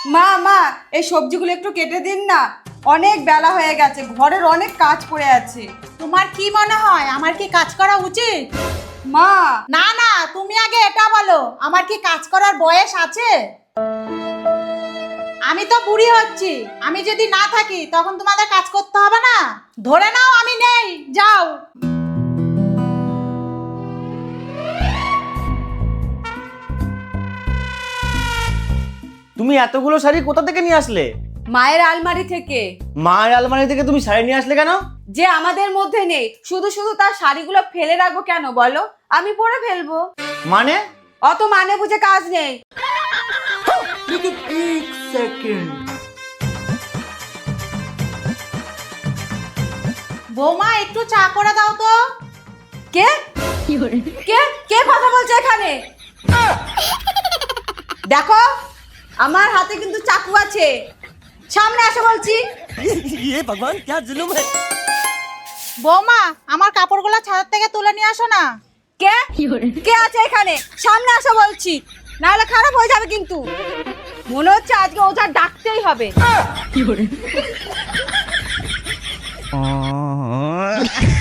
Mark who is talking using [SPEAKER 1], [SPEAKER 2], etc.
[SPEAKER 1] মা মা এই সবজিগুলো একটু কেটে দিন না, অনেক বেলা হয়ে গেছে, ঘরের অনেক কাজ পড়ে আছে।
[SPEAKER 2] তোমার কি মনে হয় আমার কি কাজ করা উচিত?
[SPEAKER 1] মা
[SPEAKER 2] না না, তুমি আগে এটা বলো, আমার কি কাজ করার বয়স আছে? আমি তো বুড়ি হচ্ছি, আমি যদি না থাকি তখন তোমাদের কাজ করতে হবে না? ধরে নাও আমি নেই, যাও।
[SPEAKER 3] তুমি এতগুলো শাড়ি কোথা থেকে নিয়ে আসলে?
[SPEAKER 1] মায়ের আলমারি থেকে।
[SPEAKER 3] মায়ের আলমারি থেকে তুমি শাড়ি নিয়ে আসলে কেন?
[SPEAKER 1] যে আমাদের মধ্যে নেই, শুধু শুধু তার শাড়িগুলো ফেলে রাখবো কেন বলো? আমি পরে ফেলবো।
[SPEAKER 3] মানে?
[SPEAKER 1] অত মানে বুঝে কাজ নেই।
[SPEAKER 2] বৌমা একটু চা করে দাও তো।
[SPEAKER 1] কে কে কে কথা বলছে এখানে? দেখো আমার হাতে কিন্তু চাকু আছে, সামনে আসো বলছি।
[SPEAKER 2] বৌমা আমার কাপড়গুলো ছাদ থেকে তুলে নিয়ে আসো না।
[SPEAKER 1] কে কে আছে এখানে? সামনে আসো বলছি, নাহলে খারাপ হয়ে যাবে কিন্তু। মনে হচ্ছে আজকে ওঝা ডাকতেই হবে।